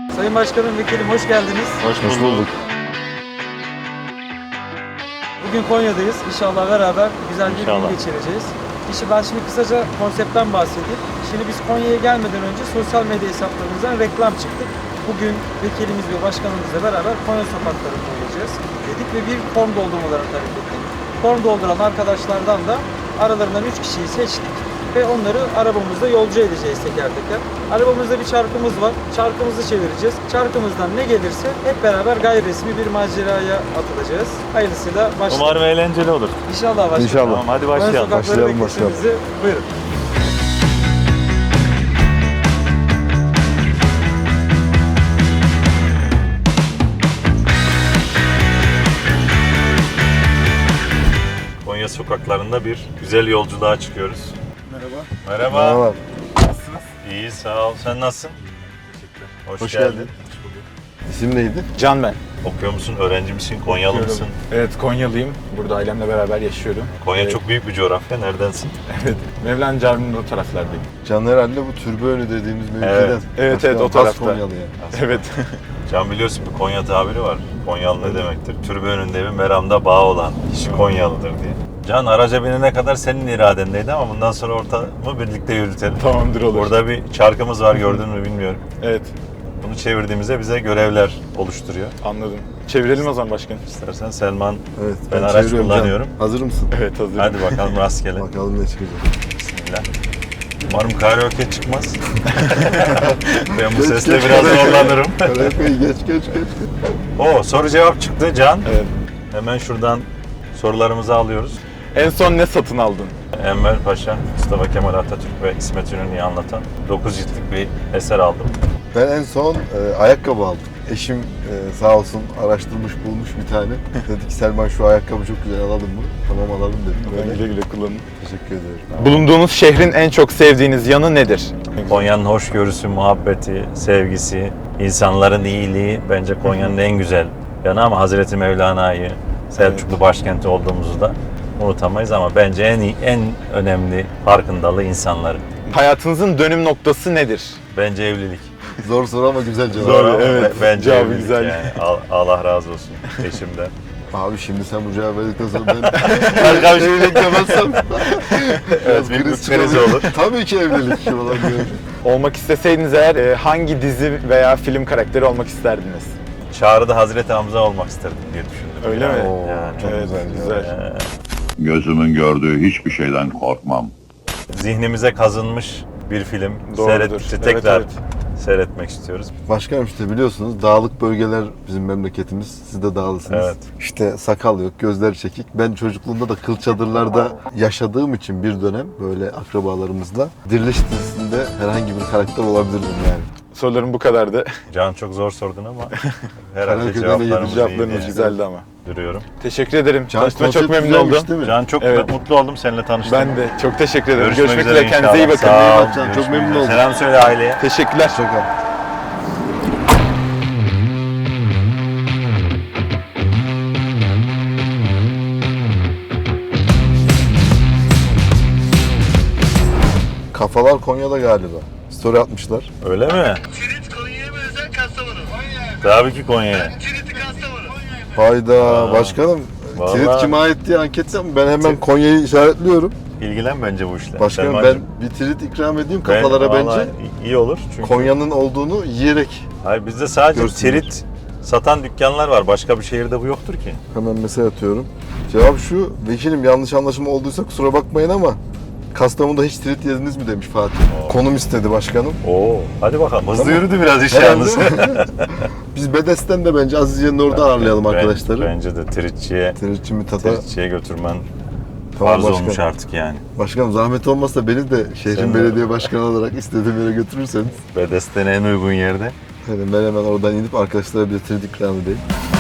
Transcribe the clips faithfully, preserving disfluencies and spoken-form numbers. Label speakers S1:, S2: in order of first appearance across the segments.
S1: Sayın Başkanım, Vekilim hoş geldiniz.
S2: Hoş bulduk.
S1: Bugün Konya'dayız. İnşallah beraber güzel bir
S2: İnşallah.
S1: gün geçireceğiz. İşte ben şimdi kısaca konseptten bahsedeyim. Şimdi biz Konya'ya gelmeden önce sosyal medya hesaplarımızdan reklam çıktık. Bugün vekilimiz ve başkanımızla beraber Konya sokaklarında olacağız dedik ve bir form doldurmalarını talep ettik. Form dolduran arkadaşlardan da aralarından üç kişiyi seçtik ve onları arabamızda yolcu edeceğiz teker teker. Arabamızda bir çarkımız var. Çarkımızı çevireceğiz. Çarkımızdan ne gelirse hep beraber gayri resmi bir maceraya atılacağız. Hayırlısıyla başlayalım.
S2: Umarım eğlenceli olur.
S1: İnşallah başlayalım.
S3: İnşallah.
S2: Tamam, hadi
S1: Konya
S2: başlayalım.
S1: sokakları
S3: Başlayalım,
S1: bekletimizi buyurun.
S2: Konya sokaklarında bir güzel yolculuğa çıkıyoruz.
S3: Merhaba.
S2: Merhaba.
S3: Merhaba.
S2: İyi, sağ ol. Sen nasılsın? Hoş,
S3: Hoş
S2: geldin.
S3: geldin. İsim neydi?
S4: Can ben.
S2: Okuyor musun? Öğrenci misin? Konyalı mısın?
S4: Evet, Konyalıyım. Burada ailemle beraber yaşıyorum.
S2: Konya
S4: Evet.
S2: çok büyük bir coğrafya. Neredensin?
S4: Evet. Mevlana Camii'nin o taraflardayım.
S3: Can herhalde bu türbönü dediğimiz mevkiden.
S2: Evet.
S4: Evet,
S3: Başkan,
S4: evet, o
S3: has
S4: tarafta.
S3: Konyalı yani.
S4: Evet.
S2: Can biliyorsun bir Konya tabiri var. Konyalı ne demektir? Türbe önünde bir meramda bağ olan kişi Konyalıdır diye. Can araca binene kadar senin iradendeydi ama bundan sonra ortamı birlikte yürütelim.
S4: Tamamdır, olur.
S2: Burada bir çarkımız var, gördün mü bilmiyorum.
S4: Evet,
S2: Bunu çevirdiğimizde bize görevler oluştururuyor.
S4: anladım. Çevirelim o zaman başkanım.
S2: İstersen Selman,
S3: Evet,
S2: ben araç
S3: çeviriyorum Can.
S2: kullanıyorum.
S3: Hazır mısın?
S4: Evet, hazırım.
S2: Hadi bakalım rastgele.
S3: Bakalım ne çıkacak.
S2: Bismillah. Umarım karaoke çıkmaz. Ben bu
S3: Geç,
S2: sesle
S3: geç,
S2: biraz
S3: geç.
S2: zorlanırım.
S3: Karaoke'yi geç geç geç.
S2: Oo, soru cevap çıktı Can.
S4: Evet.
S2: Hemen şuradan sorularımızı alıyoruz.
S4: En son ne satın aldın?
S2: Enver Paşa, Mustafa Kemal Atatürk ve İsmet İnönü'yü anlatan dokuz ciltlik bir eser aldım.
S3: Ben en son e, ayakkabı aldım. Eşim e, sağ olsun araştırmış bulmuş bir tane. Dedi ki Selman şu ayakkabı çok güzel, alalım mı? Tamam alalım dedim.
S4: Ben
S3: Böyle.
S4: güle güle kullanın.
S3: Teşekkür ederim.
S4: Bulunduğunuz şehrin en çok sevdiğiniz yanı nedir?
S2: Konya'nın hoşgörüsü, muhabbeti, sevgisi, insanların iyiliği bence Konya'nın en güzel yanı ama Hazreti Mevlana'yı, Selçuklu başkenti olduğumuzu da unutamayız ama bence en iyi, en önemli farkındalığı insanları.
S4: Hayatınızın dönüm noktası nedir?
S2: Bence evlilik.
S3: Zor soru ama güzel cevap.
S4: Zor,
S2: Ama
S4: evet.
S2: be- Bence
S4: Cevabı
S2: evlilik
S4: güzel.
S2: yani. Al- Allah razı olsun eşimden.
S3: Abi şimdi sen bu cevabı verdikten sonra ben
S2: Harika bir şey.
S3: evlilik demezsem
S2: Evet, bir
S3: kriz
S2: kriz
S3: çıkabilir.
S2: olur.
S3: Tabii ki evlilik falan diyorum.
S4: Olmak isteseydiniz eğer e, hangi dizi veya film karakteri olmak isterdiniz?
S2: Çağrı'da Hazreti Hamza olmak isterdim diye düşündüm.
S4: Öyle mi?
S3: Oo,
S2: Yani,
S3: çok
S4: Evet,
S3: güzel.
S4: güzel.
S3: cevap.
S5: Gözümün gördüğü hiçbir şeyden korkmam.
S2: Zihnimize kazınmış bir film.
S4: Doğrudur.
S2: Seyret,
S4: Evet,
S2: tekrar
S4: evet.
S2: seyretmek istiyoruz.
S3: Başkanım işte biliyorsunuz dağlık bölgeler bizim memleketimiz. Siz de dağlısınız.
S2: Evet.
S3: İşte sakal yok, gözler çekik. Ben çocukluğumda da kıl çadırlarda yaşadığım için bir dönem böyle akrabalarımızla Diriliş dizisinde herhangi bir karakter olabilirdim yani.
S4: Sorularım bu kadardı.
S2: Can çok zor sordun ama herhalde
S3: Karaköy
S2: cevaplarımız iyi
S4: Cevaplarınız
S2: diye
S4: güzeldi ama.
S2: duruyorum.
S4: Teşekkür ederim.
S3: Can
S4: Tanıştığıma çok
S3: konsept
S4: memnun
S3: güzelmiş
S4: oldum.
S3: değil mi?
S2: Can çok
S4: Evet.
S2: mutlu oldum seninle tanıştım.
S4: Ben de çok teşekkür ederim.
S2: Görüşmek,
S4: Görüşmek,
S2: üzere
S4: üzere. Kendinize iyi
S2: inşallah.
S4: bakın.
S2: Sağ ol.
S3: Can, çok
S2: Görüşmek
S3: memnun
S2: üzere.
S3: oldum.
S2: Selam söyle aileye.
S4: Teşekkürler.
S3: Şaka. Kafalar Konya'da galiba. Story atmışlar.
S2: Öyle mi?
S6: Tirit Konya'ya mı özel Kastamonu?
S2: Tabii ki Konya'ya.
S6: Tiriti Kastamonu.
S3: Hayda
S2: Aa,
S3: başkanım.
S2: vallahi-
S3: Tirit kime ait diye anket yapın. Ben hemen Konya'yı işaretliyorum.
S2: İlgilen bence bu işle.
S3: Başkanım ben
S2: Selmancığım,
S3: bir tirit ikram edeyim
S2: ben-
S3: kafalara
S2: vallahi
S3: bence.
S2: iyi olur. Çünkü
S3: Konya'nın olduğunu yiyerek.
S2: hayır, bizde sadece
S3: Görsünler.
S2: tirit satan dükkanlar var. Başka bir şehirde bu yoktur ki.
S3: Hemen mesaj atıyorum. Cevap şu. Vekilim yanlış anlaşılma olduysa kusura bakmayın ama Kastamonu'da hiç tirit yediniz mi demiş Fatih.
S2: Oo.
S3: Konum istedi başkanım.
S2: Oo, hadi bakalım. Hızlı
S3: Tamam.
S2: yürüdü biraz iş
S3: Herhalde.
S2: yalnız.
S3: Biz Bedes'ten de bence Azize'nin orada ağırlayalım
S2: Ben-
S3: arkadaşları.
S2: Bence de tiritçiye,
S3: Tiritçi Mithat'a.
S2: tiritçiye götürmen
S3: Tamam
S2: farz
S3: başkanım.
S2: olmuş artık yani.
S3: Başkanım zahmet olmazsa beni de şehrin
S2: Sen de-
S3: belediye başkanı olarak istediğim yere götürürseniz.
S2: Bedesten en uygun yerde.
S3: Yani ben hemen oradan inip arkadaşlara bir tirit ikram edeyim.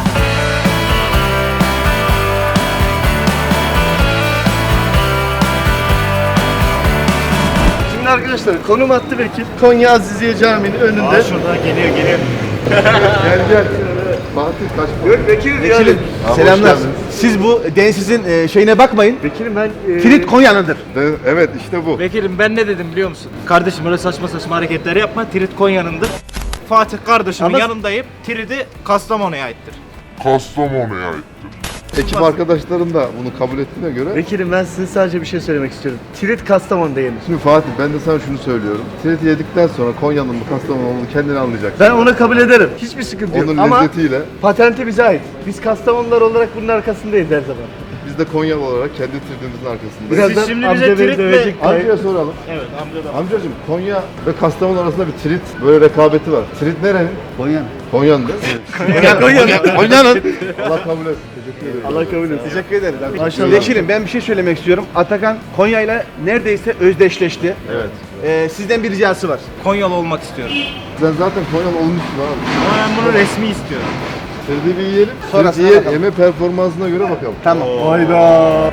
S6: Şimdi arkadaşlar konum attı vekil. Konya Aziziye Camii'nin önünde.
S2: şurada geliyor geliyor.
S3: Gel gel. Fatih kaç
S6: Yok vekilim
S7: Vekilim,
S6: yani.
S3: hoş
S7: selamlar.
S3: geldiniz.
S7: Siz bu densizin e, şeyine bakmayın.
S6: Vekilim ben... E,
S7: Tirit Konya'nındır.
S3: De- Evet işte bu.
S1: Vekilim ben ne dedim biliyor musun? Kardeşim öyle saçma saçma hareketler yapma. Tirit Konya'nındır.
S8: Fatih kardeşimin
S7: Ama-
S8: yanındayım. Tridi Kastamonu'ya aittir.
S5: Kastamonu'ya aittir.
S3: Ekip arkadaşlarım da bunu kabul ettiğine göre.
S6: Vekilim ben size sadece bir şey söylemek istiyorum. Tirit Kastamonu'da yenir.
S3: Şimdi Fatih ben de sana şunu söylüyorum. Tiriti yedikten sonra Konya'nın mı Kastamonu'nun mu kendini anlayacaksın.
S6: Ben onu kabul ederim. Hiçbir sıkıntı yok.
S3: Onun
S6: Ama
S3: lezzetiyle
S6: patenti bize ait. Biz Kastamonular olarak bunun arkasındayız her zaman.
S3: biz de Konyalı olarak kendi tiritimizin arkasındayız.
S6: Birazdan
S8: şimdi bize
S6: amca beni
S8: tirit mi-
S6: dövecek.
S3: Amcaya soralım.
S8: Evet amca da.
S3: Amcacığım Konya ve Kastamonu arasında bir trit böyle rekabeti var. Trit nerenin?
S6: Konya'nın.
S3: Konya'nın değil mi?
S6: Konya'nın.
S3: Konya'nın. Allah kabul etsin. Teşekkür ederim.
S6: Allah kabul etsin.
S7: Teşekkür ederiz. abi.
S6: Maşallah.
S7: Vekilim ben bir şey söylemek istiyorum. Atakan Konya ile neredeyse özdeşleşti.
S3: Evet.
S7: Ee, sizden bir ricası var.
S8: Konyalı olmak istiyorum.
S3: Sen zaten Konyalı olmuşsun abi.
S8: Ama ben bunu resmi istiyorum.
S3: Triti bir yiyelim.
S7: Sonrasına
S3: Triti yiyelim.
S7: bakalım.
S3: Yeme performansına göre bakalım.
S7: Tamam.
S6: Hayda.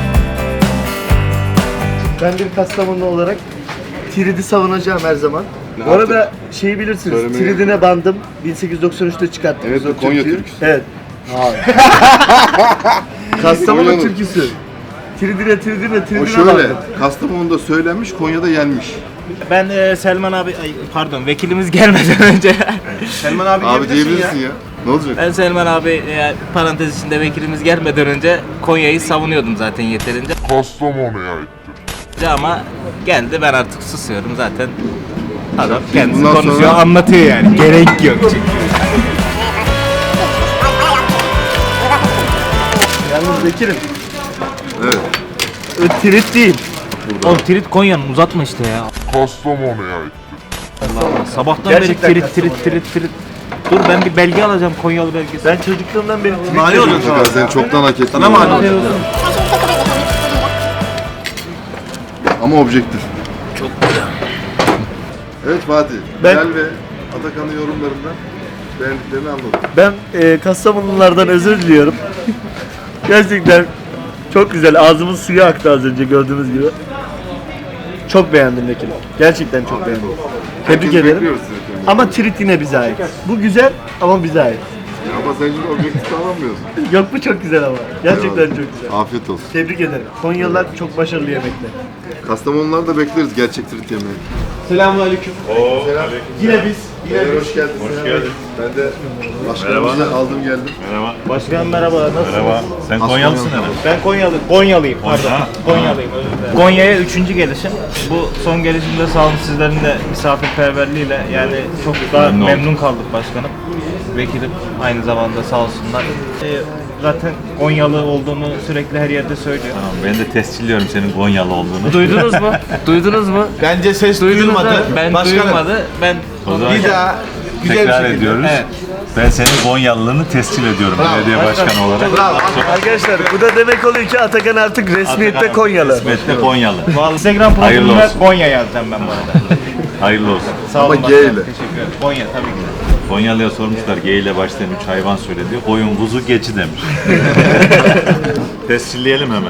S6: Ben bir Kastamonu olarak Tirit'i savunacağım her zaman. Bu arada şeyi bilirsiniz,
S3: Söylemeyi-
S6: Tirit'ine bandım. bin sekiz yüz doksan üçte çıkarttık.
S3: Evet,
S6: biz o
S3: o Konya
S6: türküyü.
S3: türküsü.
S6: Evet. Kastamonu
S3: Konya'nın.
S6: türküsü. Tiridine tiridine
S3: O
S6: tiridine
S3: şöyle,
S6: bandım.
S3: Kastamonu'da söylenmiş, Konya'da yenmiş.
S8: Ben e, Selman abi, ay, pardon vekilimiz gelmeden önce.
S7: Selman abi,
S3: Abi
S7: diyebilirsin
S3: diyebilirsin ya. Ne olacak?
S9: Ben Selman abi e, parantez içinde vekilimiz gelmeden önce Konya'yı savunuyordum zaten yeterince
S5: Kastamonu'ya aittir.
S9: ama geldi ben artık susuyorum zaten. Adam kendisi
S3: bundan
S9: konuşuyor
S3: sonra-
S9: anlatıyor yani. Gerek yok çünkü.
S6: Yalnız Bekir'im,
S3: Evet.
S6: o Tirit değil.
S9: Oğlum Tirit Konya'nın uzatma işte ya.
S5: Kastamonu'ya aittir.
S9: Sabahtan
S6: Gerçekten
S9: beri Tirit
S6: Kastamonu.
S9: Tirit Tirit Tirit. Dur ben bir belge alacağım Konyalı belgesi.
S6: Ben çocukluğumdan beri Tirit
S7: Mani
S6: diyorum.
S7: oluyorsun
S3: Mutlaka sen çoktan hak ettin.
S7: Sana mı
S3: Ama-
S7: oluyor?
S3: Ama objektif. Çok güzel. Evet Fatih.
S6: Ben-
S3: Bilal ve Atakan'ın yorumlarından beğendiklerini anladım.
S6: Ben e, Kastamonulardan özür diliyorum. Gerçekten çok güzel. Ağzımın suyu aktı az önce gördüğünüz gibi. Çok beğendim Vekilim. Gerçekten çok beğendim. Tebrik
S3: Herkes
S6: ederim.
S3: bekliyoruz seni.
S6: Ama Tirit yine bize ait. Bu güzel ama bize ait.
S3: Ama sen şimdi objektif davranmıyorsun.
S6: Yok bu çok güzel ama. Gerçekten
S3: Eyvallah.
S6: çok güzel.
S3: Afiyet olsun.
S6: Tebrik ederim. Konyalılar çok başarılı yemekte.
S3: Kastamonuları da bekleriz gerçek trit yemeği.
S7: Selamünaleyküm.
S6: Yine biz.
S3: Beyler hoş geldiniz. Hoş geldin. Ben de başkanımızı aldım geldim.
S2: Merhaba.
S8: Başkan merhaba, nasılsınız?
S2: Merhaba. Sen
S3: Aslan
S2: Konyalısın
S3: Konya'nın.
S2: herhalde.
S8: Ben Konyalı, Konyalıyım pardon.
S2: Konya.
S8: Konyalıyım özür dilerim. Konya'ya üçüncü gelişim. Bu son gelişimde sağ olun sizlerin de misafirperverliğiyle yani çok daha
S2: Memnun
S8: memnun,
S2: oldum.
S8: kaldık başkanım. Vekilim aynı zamanda sağ olsunlar. Ee, zaten Konyalı olduğunu sürekli her yerde söylüyor.
S2: Tamam, ben de tescilliyorum senin Konyalı olduğunu.
S9: Duydunuz mu? Duydunuz mu?
S7: Bence ses
S9: Duydunuz
S7: duyulmadı.
S9: da ben
S7: Başkanım,
S9: duymadı. Ben
S2: O zaman
S7: Bir daha güzel
S2: tekrar
S7: bir şekilde.
S2: ediyoruz.
S7: Evet.
S2: Ben senin Konyalılığını tescil ediyorum belediye başkanı olarak.
S7: Bravo.
S6: Arkadaşlar bu da demek oluyor ki Atakan artık resmiyette
S2: Atakan
S6: Konyalı.
S2: Resmiyette Konyalı.
S8: Vallahi Instagram
S2: Hayırlı
S8: profilimde
S2: olsun.
S8: Konya yazacağım ben bu arada.
S2: Hayırlı olsun.
S8: Sağ
S3: Ama
S8: olun
S3: G
S8: başkanım,
S3: ile.
S8: teşekkür ederim. Konya tabii ki.
S2: Konyalı'ya sormuşlar G ile başlayan üç hayvan söyledi. Koyun, kuzu, keçi demiş. Tescilleyelim hemen.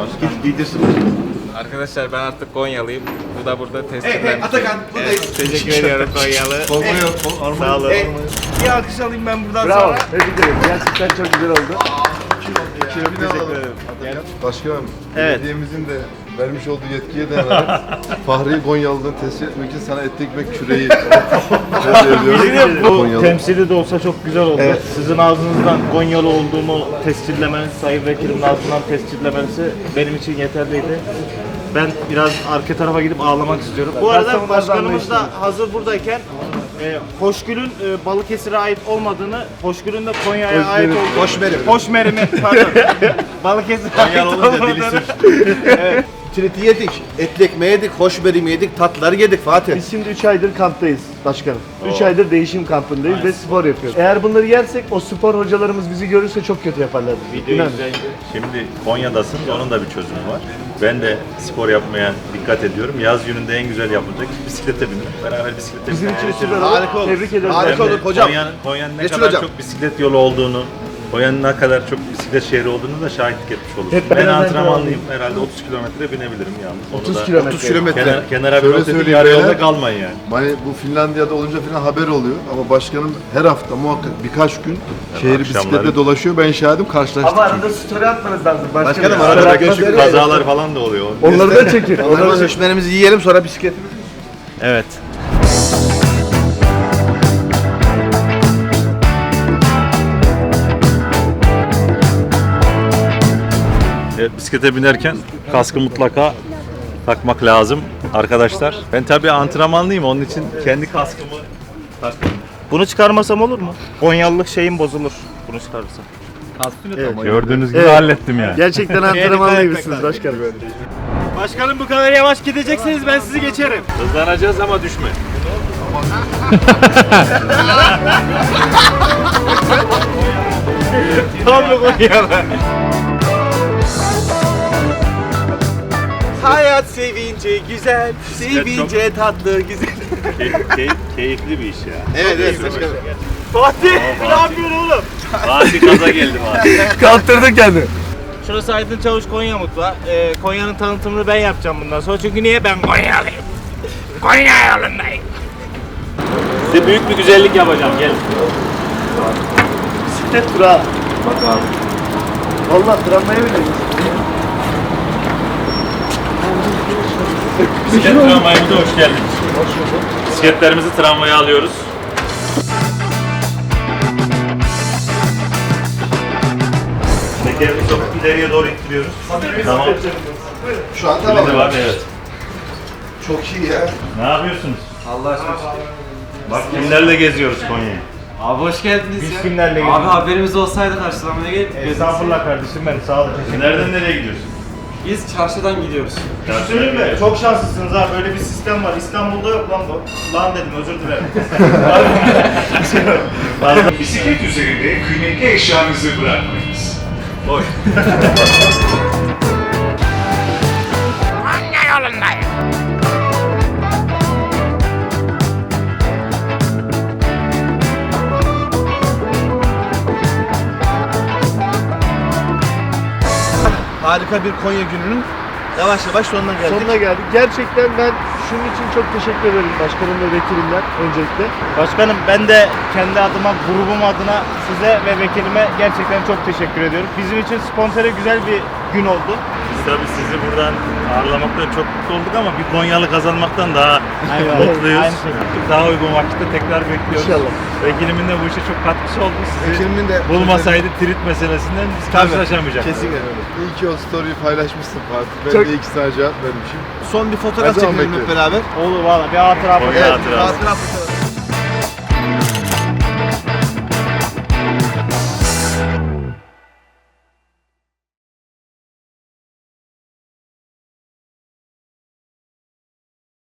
S9: Arkadaşlar ben artık Konyalıyım. Bu da burada test
S7: Evet, evet, Atakan buradayız.
S9: Teşekkür ediyorum Konyalı.
S8: Sağ olun. Bir alkış alayım ben buradan
S6: Bravo.
S8: sonra.
S6: Tebrik ederim. Gerçekten çok güzel oldu.
S3: Teşekkür ederim. Başkanım,
S8: Evet.
S3: belediyemizin de vermiş olduğu yetkiye dayanarak Fahri Konyalı'dan tescil etmek için sana etli ekmek küreği hediye ediyorum.
S8: Bu
S3: Konyalı.
S8: temsili de olsa çok güzel oldu. Sizin ağzınızdan Konyalı olduğumu tescillemeniz, Sayın Vekilimin ağzından tescillemenizi benim için yeterliydi. Ben biraz arka tarafa gidip ağlamak istiyorum. Bu arada
S6: Kastamonu
S8: başkanımız da
S6: anlayışlı.
S8: hazır buradayken e, Hoşgül'ün e, Balıkesir'e ait olmadığını, Hoşgül'ün de Konya'ya ait olduğunu...
S7: Hoşmerim.
S8: Hoşmerim'i, pardon. Balıkesir'e ait
S2: Konyalı olunca dili
S8: olmadığını...
S2: sürçtü.
S7: Tiriti yedik, etli ekmeği yedik, hoşberim yedik, tatlıları yedik Fatih.
S6: Biz şimdi üç aydır kamptayız başkanım. üç aydır değişim kampındayız ve spor yapıyoruz. Eğer bunları yersek o spor hocalarımız bizi görürse çok kötü yaparlar. İnanın.
S2: Şimdi Konya'dasın, onun da bir çözümü var. Ben de spor yapmaya dikkat ediyorum. Yaz gününde en güzel yapılacak bisiklete binmek. Beraber bisiklete
S6: Bizim
S2: binmek.
S6: için süper olur.
S7: Harika olur.
S6: Tebrik ederim.
S7: Harika
S2: Hem de
S7: olur hocam.
S2: Konya'nın, Konya'nın ne
S7: Mesul
S2: kadar
S7: hocam.
S2: çok bisiklet yolu olduğunu, Konya'nın ne kadar çok bisiklet şehri olduğunu da şahitlik etmiş olursun.
S6: Hep
S2: Ben
S6: beraber
S2: antrenmanlıyım. Herhalde otuz kilometre binebilirim yalnız. Onu
S6: otuz
S2: da
S6: kilometre.
S7: otuz kilometre.
S2: Kenar, kenara bir
S3: Şöyle
S2: not edin,
S3: söyleyeyim
S2: yarı
S3: beyler.
S2: yolda kalmayın yani.
S3: Hani bu Finlandiya'da olunca falan haber oluyor ama başkanım her hafta muhakkak birkaç gün şehri
S2: akşamları-
S3: bisikletle dolaşıyor. Ben şahidim, karşılaştık.
S6: Ama arada story atmanız lazım. Başkanım,
S7: Başkanım,
S6: Story
S7: arada
S6: atmanız
S7: göçük
S6: lazım.
S2: Kazalar falan da oluyor.
S6: Onları da çekin.
S7: Onları
S6: Onları da
S7: hoşmerimizi yiyelim sonra bisikletimizi.
S8: Evet.
S2: Evet, bisiklete binerken kaskı mutlaka takmak lazım arkadaşlar. Ben tabii antrenmanlıyım, onun için kendi kaskımı taktım.
S8: Bunu çıkarmasam olur mu? Konyalılık şeyim bozulur. Bunu çıkarırsam.
S2: Gördüğünüz gibi hallettim yani.
S6: Gerçekten antrenmanlı gibisiniz başkanım.
S8: Başkanım bu kadar yavaş gidecekseniz ben sizi geçerim.
S2: Hızlanacağız ama düşme.
S8: Tam mı Konyalı? Hayat sevince güzel, sevince tatlı güzel.
S2: keyifli bir iş ya.
S7: Evet evet başkanım.
S8: Fatih ne yapıyorsun oğlum?
S2: Fatih gaza geldim abi.
S6: Kaptırdın kendini.
S8: Şurası Aydın Çavuş Konya Mutfağı. Ee, Konya'nın tanıtımını ben yapacağım bundan sonra. Çünkü niye? Ben Konyalıyım. Konya yolundayım.
S2: Size büyük bir güzellik yapacağım, gelin.
S6: Bisiklet durağı. Bak abi. Valla tramvaya bineceğiz.
S2: Bisiklet tramvayımıza hoş geldiniz. Bisikletlerimizi tramvaya alıyoruz. Tekerini sokup ileriye doğru ittiriyoruz. Tamam.
S3: Şu an
S2: Şimdi
S3: tamam.
S2: var, evet.
S3: Çok iyi ya.
S2: Ne yapıyorsunuz? Allah aşkına. Bak kimlerle geziyoruz Konya'yı.
S1: Abi hoş geldiniz
S8: Biz
S1: ya.
S8: kimlerle
S1: Abi
S8: gidiyoruz?
S1: haberimiz olsaydı karşılamaya gelip
S8: Estağfurullah kardeşim benim. Sağ olun. Teşekkür ederim.
S2: Nereden nereye gidiyorsun?
S1: Biz çarşıdan gidiyoruz.
S8: Söyleyeyim mi? Çok şanslısınız ha. Böyle bir sistem var. İstanbul'da yok lan bu. Lan dedim özür dilerim.
S5: Bisiklet üzerinde kıymetli eşyanızı bırakmayınız.
S2: Boş.
S7: Harika bir Konya gününün yavaş yavaş sonuna geldik.
S6: Sonuna geldik. Gerçekten ben şunun için çok teşekkür ederim başkanım ve vekilimler öncelikle.
S8: Başkanım ben de kendi adıma, grubum adına size ve vekilime gerçekten çok teşekkür ediyorum. Bizim için spontane güzel bir gün oldu.
S2: Biz tabii sizi buradan ağırlamaktan çok mutlu olduk ama bir Konyalı kazanmaktan daha
S8: Eyvallah.
S2: mutluyuz.
S8: Aynı şekilde.
S2: Daha uygun vakitte tekrar bekliyoruz.
S6: İnşallah.
S2: Vekilimin de bu işe çok katkısı oldu. Sizi
S3: Vekilimin de-
S2: bulmasaydı trit meselesinden biz karşılaşamayacaktık.
S3: Kesinlikle öyle. İyi ki o story'yi paylaşmışsın Fatih. Ben
S6: Çok-
S3: de iki tane cevap vermişim.
S7: Son bir fotoğraf
S3: Her zaman
S7: çekelim hep
S3: bekliyorum.
S7: beraber.
S8: Olur valla bir hatıra.
S2: Konya
S7: Evet,
S2: hatırası.
S7: hatıra fotoğrafı.